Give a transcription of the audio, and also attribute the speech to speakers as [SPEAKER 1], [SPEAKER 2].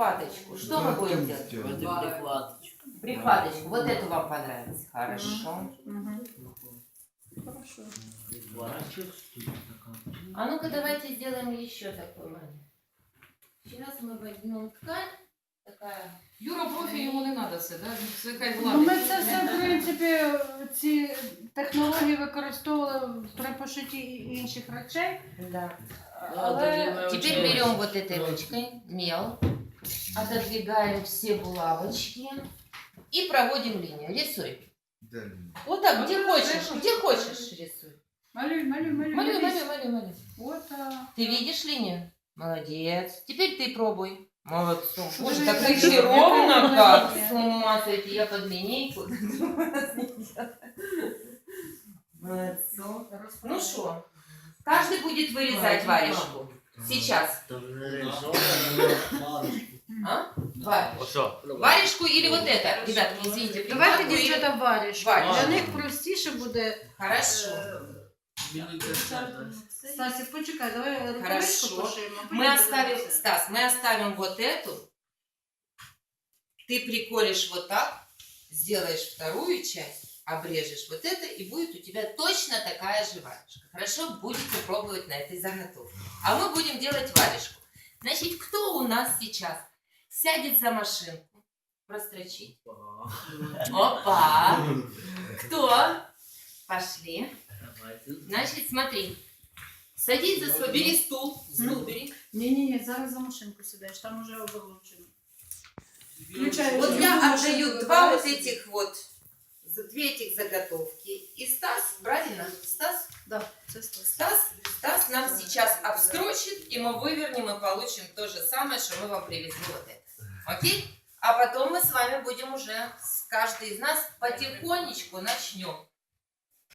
[SPEAKER 1] прихваточку. Что мы будем делать? Прихваточку. Вот эту вам понравилось. Хорошо.
[SPEAKER 2] Хорошо.
[SPEAKER 1] А ну-ка давайте сделаем еще такой момент. Сейчас мы возьмем ткань. Такая.
[SPEAKER 3] Юра профі, йому не треба це, да? Це хай
[SPEAKER 2] Ну, ми
[SPEAKER 3] владить.
[SPEAKER 2] це все, в принципі, ці технології використовували при пошитті інших речей.
[SPEAKER 1] Да.
[SPEAKER 2] Але
[SPEAKER 1] Теперь берем вот этой ручкой мел, отодвигаем все булавочки и проводим линию. Рисуй. Вот так, где хочешь рисуй.
[SPEAKER 2] малюй.
[SPEAKER 1] Малюй.
[SPEAKER 2] Вот так.
[SPEAKER 1] Ты видишь линию? Молодец. Теперь ты пробуй. Молодцом. Боже,
[SPEAKER 2] Вы
[SPEAKER 1] так
[SPEAKER 2] же
[SPEAKER 1] ты
[SPEAKER 2] как
[SPEAKER 1] ровно
[SPEAKER 2] бы
[SPEAKER 1] как.
[SPEAKER 2] молодец.
[SPEAKER 1] С ума сойти, я под линейку. Молодцом. Ну что, каждый будет вырезать варежку. Сейчас. А? Варежку или вот это? Ребятки, извините.
[SPEAKER 2] Давайте,
[SPEAKER 1] прикладку или-
[SPEAKER 2] дівчата, варіш.
[SPEAKER 1] Варіш.
[SPEAKER 2] Для них простіше буде.
[SPEAKER 1] Хорошо.
[SPEAKER 2] Стасі, почекай, давай рукавичку
[SPEAKER 1] Хорошо.
[SPEAKER 2] пошиємо.
[SPEAKER 1] Мы оставим, Стас, мы оставим вот эту. Ты приколешь вот так, сделаешь вторую часть, обрежешь вот это, и будет у тебя точно такая же варежка. Хорошо? Будете пробовать на этой заготовке. А мы будем делать варежку. Значит, кто у нас сейчас сядет за машинку? Прострочить. Опа! Кто? Пошли. Значит, смотри. Садись за свой, бери стул, бери.
[SPEAKER 2] Ні, зараз за машинку сідаєш, там уже оболочено. Включай.
[SPEAKER 1] Вот я отдаю два вот этих вот, две этих заготовки. И Стас, правильно? Стас?
[SPEAKER 2] Да, це Стас.
[SPEAKER 1] Стас нам сейчас обстрочит, и мы вывернем и получим то же самое, что мы вам привезли вот это. Окей? А потом мы с вами будем уже, каждый из нас потихонечку начнем